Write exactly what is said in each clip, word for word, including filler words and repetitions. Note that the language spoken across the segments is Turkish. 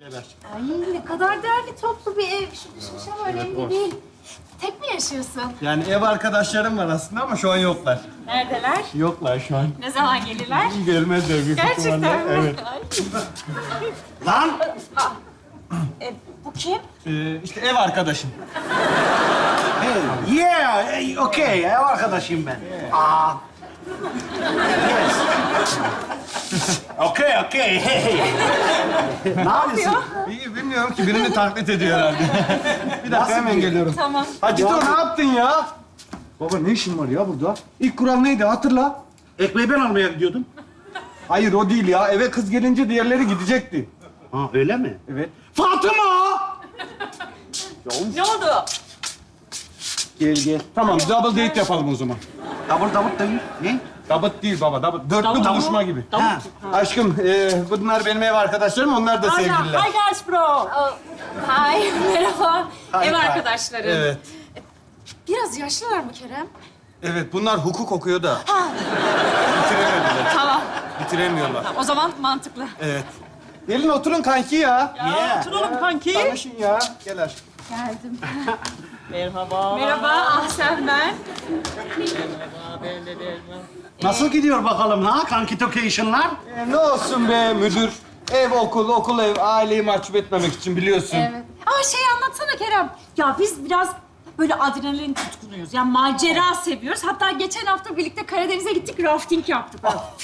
Ay ne kadar değerli toplu bir ev. Şu düşmüş ama önemli değil. Tek mi yaşıyorsun? Yani ev arkadaşlarım var aslında ama şu an yoklar. Neredeler? Yoklar şu an. Ne zaman gelirler? Gelmezler büyük Gerçekten ihtimalle. mi? Evet. Ay. Lan! E, bu kim? Ee, işte ev arkadaşım. Hey, yeah, hey, okay, ev arkadaşıyım ben. Aa. Yes. Okay, okay, hey. Ne yapıyorsun? İyi bilmiyorum ki birini taklit ediyor herhalde. Bir dakika Nasıl hemen biri? geliyorum. Tamam. Hacito ne yaptın ya? Baba ne işin var ya burada? İlk kural neydi hatırla. Ekmeği ben almaya gidiyordum. Hayır o değil ya. Eve kız gelince diğerleri gidecekti. Ha, öyle mi? Evet. Fatıma! Ne oldu? Gel gel. Tamam double date yapalım o zaman. Davul davul davul. Ne? Double değil baba. Double. Dörtlü buluşma gibi. Ha. Aşkım e, bunlar benim ev arkadaşlarım. Onlar da sevgililer. Hi guys bro. Oh, hi, merhaba. Hi, Ev hi. arkadaşlarım. Evet. Biraz yaşlılar mı Kerem? Evet bunlar hukuk okuyor da. Bitiremediler. Tamam. Bitiremiyorlar. O zaman mantıklı. Evet. Gelin oturun kanki ya. Yeah. Oturalım kanki. Tanışın ya. Gel aşkım. Geldim. Merhaba. Merhaba, Ahsen ben. Ben de Derman. Nasıl gidiyor bakalım ha kankitocation'lar? E, ne olsun be müdür. Ev, okul, okul, ev. Aileyi mahcup etmemek için biliyorsun. Evet. Ama şey anlatsana Kerem. Ya biz biraz böyle adrenalin tutkunuyuz. Yani macera seviyoruz. Hatta geçen hafta birlikte Karadeniz'e gittik, rafting yaptık.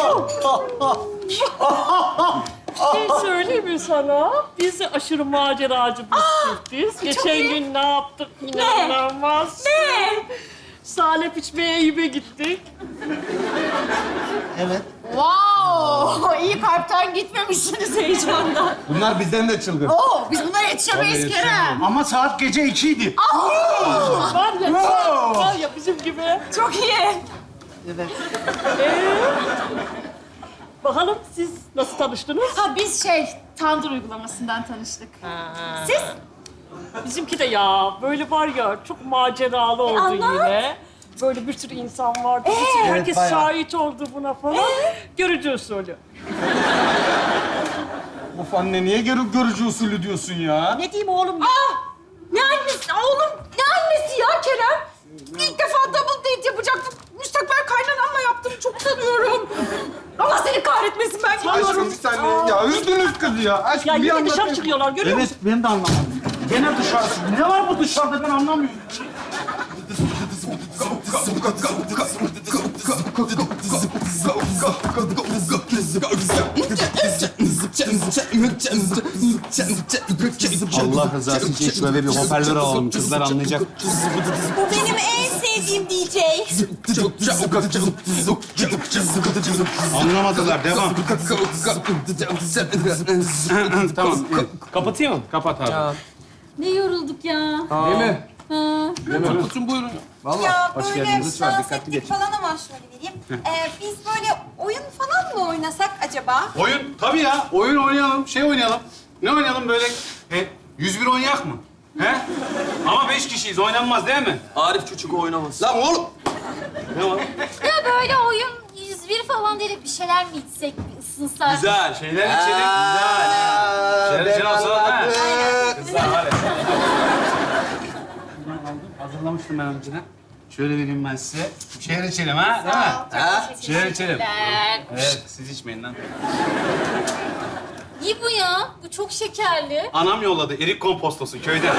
Bir şey söyleyeyim mi sana? Biz de aşırı maceracı bir çiftiz. Geçen iyi. gün ne yaptık inanılmaz. Ne? Salep içmeye Eyüp'e gittik. Evet. Wow! İyi kalpten gitmemişsiniz heyecandan. Bunlar bizden de çılgın. Oo, biz bunlara yetişemeyiz Tabii, Kerem. Ama saat gece ikiydi. Var ya, var ya bizim gibi. Çok iyi. Evet. Bakalım siz nasıl tanıştınız? Ha biz şey, Tandır uygulamasından tanıştık. Siz? Bizimki de ya böyle var ya çok maceralı oldu anlat. yine. Böyle bir sürü insan vardı. Bütün herkes bayağı. şahit oldu buna falan. Görücü usulü. Of anne niye gör görücü usulü diyorsun ya? Ne diyeyim oğlum? Ah! Ne annesi? Oğlum ne annesi ya Kerem? İlk defa double date yapacaktım. Müstakbel kaynanamla yaptım. Çok sanıyorum. Allah seni kahretmesin ben Aşkım gidiyorum. bir saniye. Ya üzdünüz kızı ya. Aşkım Ya bir yine anlatayım. dışarı çıkıyorlar görüyor musun? Evet, ben de anlamadım. Gene dışarısı. Ne var bu dışarıda ben anlamıyorum. Allah rızası için şöyle bir hoparlör alalım. Kızlar anlayacak. Bu benim en sevdiğim D J. Anlamadılar. Devam. Tamam. Kapatayım mı? Kapat abi. Ne yorulduk ya. Değil mi? Ha. Kapatın buyurun. Ya hoş böyle geldiniz. Lütfen dans dikkatli ettik geçin. falan ama şöyle vereyim. Ee, biz böyle oyun falan mı oynasak acaba? Oyun tabii ya. Oyun oynayalım. Şey oynayalım. Ne oynayalım böyle? E, yüz bir oynayak mı? He? Ama beş kişiyiz. Oynanmaz değil mi? Arif Çocuk oynamaz. Lan oğlum. Ne var? Ya böyle oyun yüz bir falan değil bir şeyler mi içsek, bir ısınsak? Güzel. Şeyler içelim. Güzel. Şeyler içelim olsun. Ha? Kızlar hadi. Hazırlamıştım ben önceden. Şöyle vereyim ben size. Şeyler içelim ha? Değil mi? Ha? Şeyler içelim. Evet, siz içmeyin lan. Ne bu ya? Bu çok şekerli. Anam yolladı erik kompostosu köyden.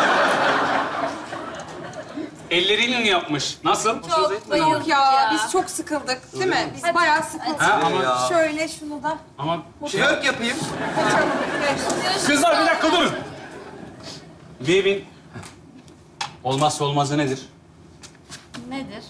Elleriyle yapmış. Nasıl? Çok bayıldık Yok ya, biz çok sıkıldık değil mi? Biz bayağı sıkıldık. Ha, ama Şöyle şunu da ama şey, Twerk yapayım. kaçalım. kızlar bir dakika durun. Bir evin olmazsa olmazı nedir? Nedir?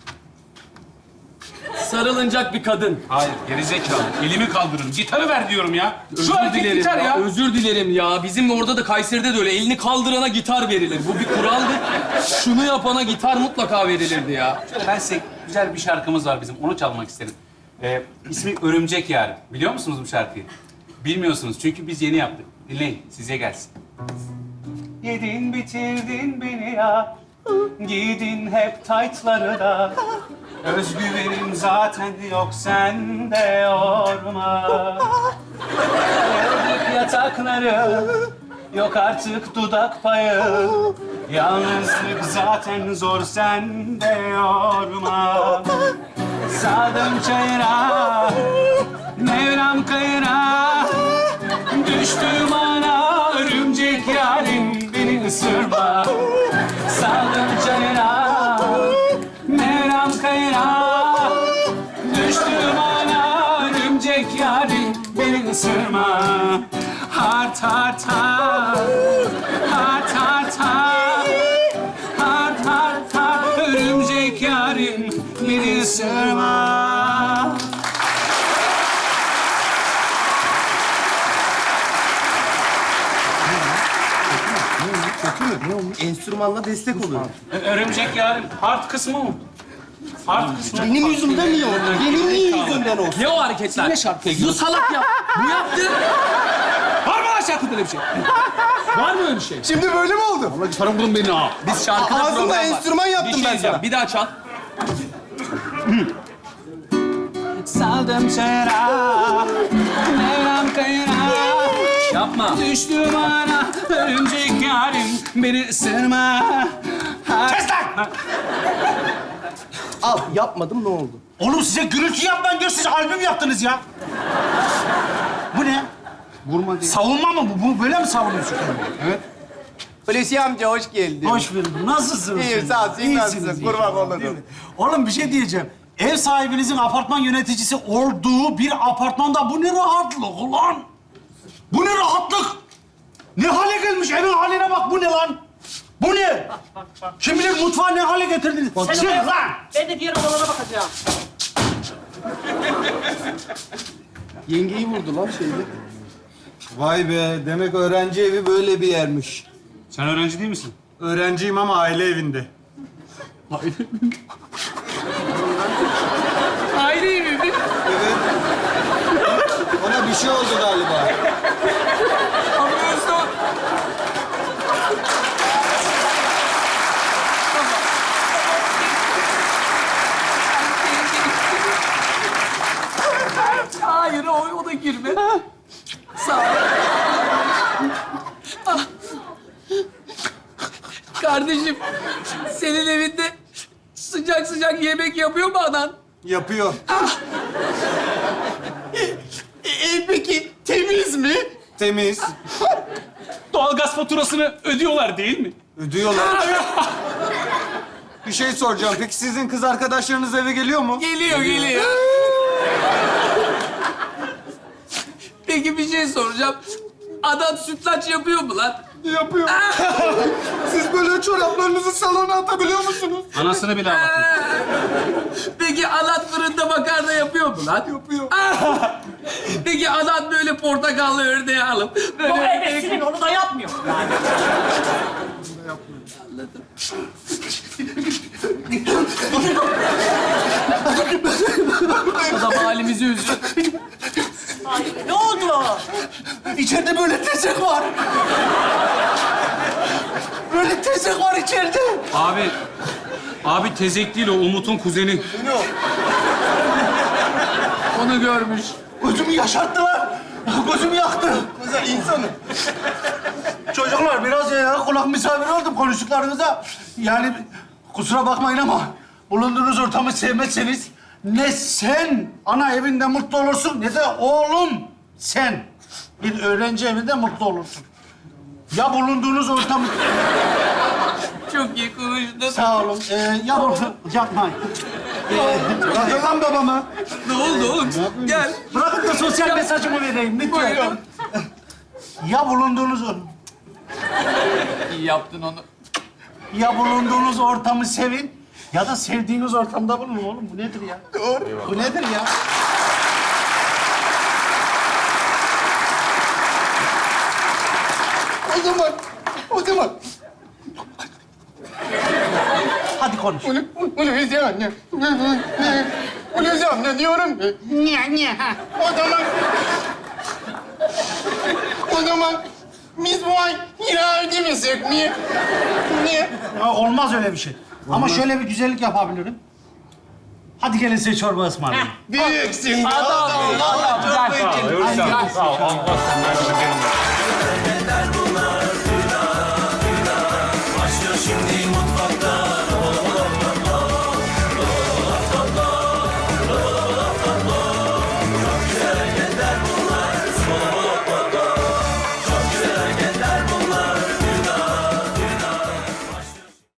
Sarılınacak bir kadın. Hayır, gerizekalı. Elimi kaldırın. Gitarı ver diyorum ya. Şu Özür erkek dilerim gitar ya. Özür dilerim ya. Bizim orada da Kayseri'de de öyle. Elini kaldırana gitar verilir. Bu bir kuraldır. Şunu yapana gitar mutlaka verilirdi ya. Şöyle ben size güzel bir şarkımız var bizim. Onu çalmak isterim. Ee, ismi Örümcek Yar. Biliyor musunuz bu şarkıyı? Bilmiyorsunuz çünkü biz yeni yaptık. Dinleyin, size gelsin. Yedin bitirdin beni ya. Giydin hep taytları da. Özgüvenim zaten yok sende yorma. Geldik yatakları, yok artık dudak payı. Yalnızlık zaten zor, sen de yorma. Saldım çayıra, Mevlam kayıra. Düştüm ana, örümcek yarim beni ısırma. Saldım çayıra, Mevlam kayıra. Düştüm ana, örümcek yarim beni ısırma. Hart hart hart, hart hart hart. Hart hart hart, örümcek yarim beni ısırma. Enstrümanla destek oluyor. Ö- Örümcek yarim, hart kısmı mı? Hart kısmı. Benim yüzümden mi oldu? Benim niye yüzümden olsun? Ne o hareketler? Ne şarkıya Bu salak ya. Bu yaptı. Var mı lan şarkıda öyle bir şey? Var mı öyle bir şey? Şimdi böyle mi oldu? Allah gitarım bulun beni ha. Biz şarkıda Ağzımla program var. enstrüman yaptım bir şey ben diyeceğim. sana. Bir daha çal. Saldım çayıra, Mevlam kayıra. Yapma. Düştüm ana, örümcek yarim beni ısırma. Kes lan! Al, yapmadım ne oldu? Oğlum size gürültü yapmayın diyor, siz albüm yaptınız ya. Bu ne? Vurma diye. Savunma mı bu? Bu böyle mi savunuyorsun kendini? Evet. Hulusi amca hoş geldin. Hoş bulduk. Nasılsınız? İyiyim, sağ ol. Siz İyisiniz nasılsın? inşallah, Kurban olurum. değil mi? Oğlum bir şey diyeceğim. Ev sahibinizin apartman yöneticisi olduğu bir apartmanda bu ne rahatlık ulan? Bu ne rahatlık? Ne hale gelmiş evin haline bak, bu ne lan? Bu ne? Kim bilir mutfağı ne hale getirdiniz? Çık lan! Ben de diğer odalara bakacağım. Yengeyi vurdu lan şeyde. Vay be, demek öğrenci evi böyle bir yermiş. Sen öğrenci değil misin? Öğrenciyim ama aile evinde. Aile evi mi? Evet. Ona bir şey oldu galiba. Hayır, o, o da girme. Sağ ol. Ah. Kardeşim, senin evinde sıcak sıcak yemek yapıyor mu anan? Yapıyor. E, peki temiz mi? Temiz. Doğalgaz faturasını ödüyorlar değil mi? Ödüyorlar. Bir şey soracağım. Peki sizin kız arkadaşlarınız eve geliyor mu? Geliyor, geliyor. Peki bir şey soracağım. Adam sütlaç yapıyor mu lan? Yapıyor. Siz böyle çoraplarınızı salona atabiliyor musunuz? Anasını bile ağlatıyor. Peki adam fırında makarna yapıyor mu lan? Yapıyor. Peki adam böyle portakallı ördeği alıp O böyle... ebesinin onu da yapmıyor. Adam halimizi üzüyor. Ne oldu? İçeride böyle tezek var. Böyle tezek var içeride. Abi, abi tezek değil o, Umut'un kuzeni. Onu görmüş. Gözümü yaşarttılar. Gözümü yaktı. Güzel insanım. Çocuklar biraz ya kulak misafiri oldum konuştuklarınıza. Yani kusura bakmayın ama bulunduğunuz ortamı sevmezseniz ne sen ana evinde mutlu olursun ne de oğlum sen bir öğrenci evinde mutlu olursun. Ya bulunduğunuz ortam... Çok iyi konuştun. Sağ olun. Ee, ya bulun... Yapmayın. Bırakın lan babamı. Ne oldu oğlum? Gel. Bırakın da sosyal mesajımı vereyim lütfen. Buyurun. Ya bulunduğunuz or- İyi yaptın onu. ya bulunduğunuz ortamı sevin ya da sevdiğiniz ortamda bulunun oğlum. Bu nedir ya? Doğru. Bu nedir ya? O zaman, o zaman. Hadi konuş. Bunu, bunu Hulusi anne. Hulusi anne diyorum ki. Niye, niye? Ha. O zaman... O zaman biz bu ay kira ödemesek mi? Niye? Ya olmaz öyle bir şey. Ama şöyle bir güzellik yapabilirim. Hadi gelin size çorba ısmarlayın. Büyüksün. Adam, adam, gel. Sağ ol, Allah senden de benim.